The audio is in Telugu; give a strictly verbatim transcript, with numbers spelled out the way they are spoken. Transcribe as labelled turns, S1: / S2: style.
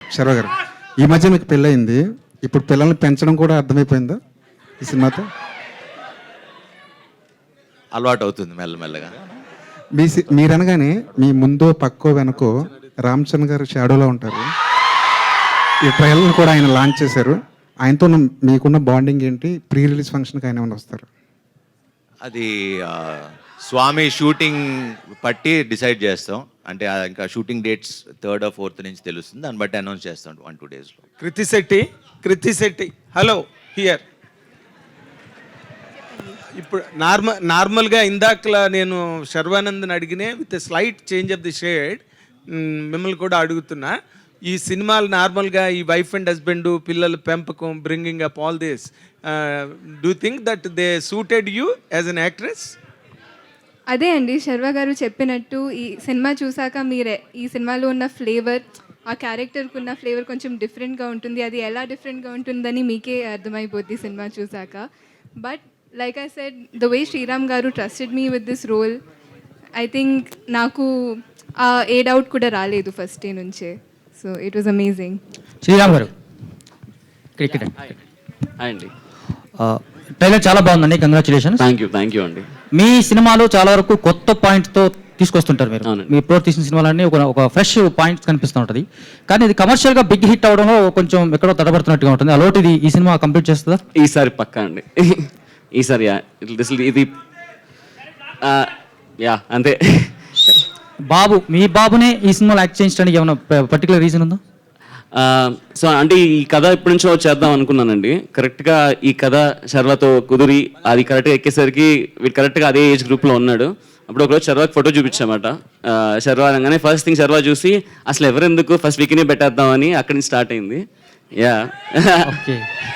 S1: శర్వ గారు, ఈ మధ్య మీకు పెళ్ళయింది, ఇప్పుడు పిల్లల్ని పెంచడం కూడా అర్థమైపోయిందా ఈ సినిమాతో?
S2: అలవాటు అవుతుంది మెల్లమెల్లగా.
S1: మీ సి- మీరనగానే మీ ముందో పక్కో వెనకో రామ్ చరణ్ గారు షాడోలో ఉంటారు. ఈ ట్రయల్ని కూడా ఆయన లాంచ్ చేశారు. ఆయనతో ఉన్న మీకున్న బాండింగ్ ఏంటి? ప్రీ రిలీజ్ ఫంక్షన్కి ఆయన ఏమైనా వస్తారు?
S2: అది ఆ, స్వామి షూటింగ్ పట్టి డిసైడ్ చేస్తాం. అంటే ఆ ఇంకా shooting dates third or fourth నుంచి తెలుస్తుంది, దాన్ని బట్టి అనౌన్స్ చేస్తాం వన్ టూ డేస్లో.
S3: Kriti Shetty Kriti Shetty hello here. ఇప్పుడు నార్మల్ నార్మల్గా ఇందాకలా నేను శర్వానంద్ని అడిగినే with slight change of the shade మిమ్మల్ని కూడా అడుగుతున్నా. ఈ సినిమాలు నార్మల్గా ఈ వైఫ్ అండ్ హస్బెండ్ పిల్లల పెంపకం bringing up all this, do think that they suited you as an actress?
S4: అదే అండి శర్వ గారు చెప్పినట్టు ఈ సినిమా చూసాక మీరే ఈ సినిమాలో ఉన్న ఫ్లేవర్, ఆ క్యారెక్టర్కి ఉన్న ఫ్లేవర్ కొంచెం డిఫరెంట్గా ఉంటుంది. అది ఎలా డిఫరెంట్గా ఉంటుందని మీకే అర్థమైపోద్ది సినిమా చూసాక. But like I said, the way Sriram garu trusted me with this role, I think నాకు ఆ ఏ డౌట్ కూడా రాలేదు ఫస్ట్ డే నుంచే. So it was amazing.
S5: Sriram garu cricket
S6: అండి,
S5: ట్రైలర్ చాలా బాగుందండి, congratulations.
S6: Thank you thank you అండి.
S5: మీ సినిమాలో చాలా వరకు కొత్త పాయింట్తో తీసుకొస్తుంటారు మీరు.
S6: అవునండి.
S5: మీ ఇప్పుడు తీసిన సినిమాలన్నీ ఒక ఒక ఫ్రెష్ పాయింట్స్ కనిపిస్తూ ఉంటుంది. కానీ ఇది కమర్షియల్గా బిగ్ హిట్ అవడంలో కొంచెం ఎక్కడో తడబడుతున్నట్టుగా ఉంటుంది. అలాంటిది ఈ సినిమా కంప్లీట్ చేస్తుందా?
S6: ఈసారి పక్కా అండి. ఈసారి యా దిస్ ఇది యా అంతే.
S5: బాబు, మీ బాబునే ఈ సినిమాలో యాక్ట్ చేయించడానికి ఏమైనా పర్టికులర్ రీజన్ ఉందా?
S6: సో అంటే ఈ కథ ఇప్పటి నుంచో చేద్దాం అనుకున్నానండి. కరెక్ట్గా ఈ కథ శర్వతో కుదిరి అది కరెక్ట్గా ఎక్కేసరికి వీడు కరెక్ట్గా అదే ఏజ్ గ్రూప్లో ఉన్నాడు. అప్పుడు ఒకరోజు శర్వాకి ఫోటో చూపించామాట. శర్వా అనగానే ఫస్ట్ థింగ్ శర్వా చూసి అసలు ఎవరెందుకు ఫస్ట్ వీక్నే పెట్టేద్దామని అక్కడి నుంచి స్టార్ట్ అయింది. Yeah
S5: okay.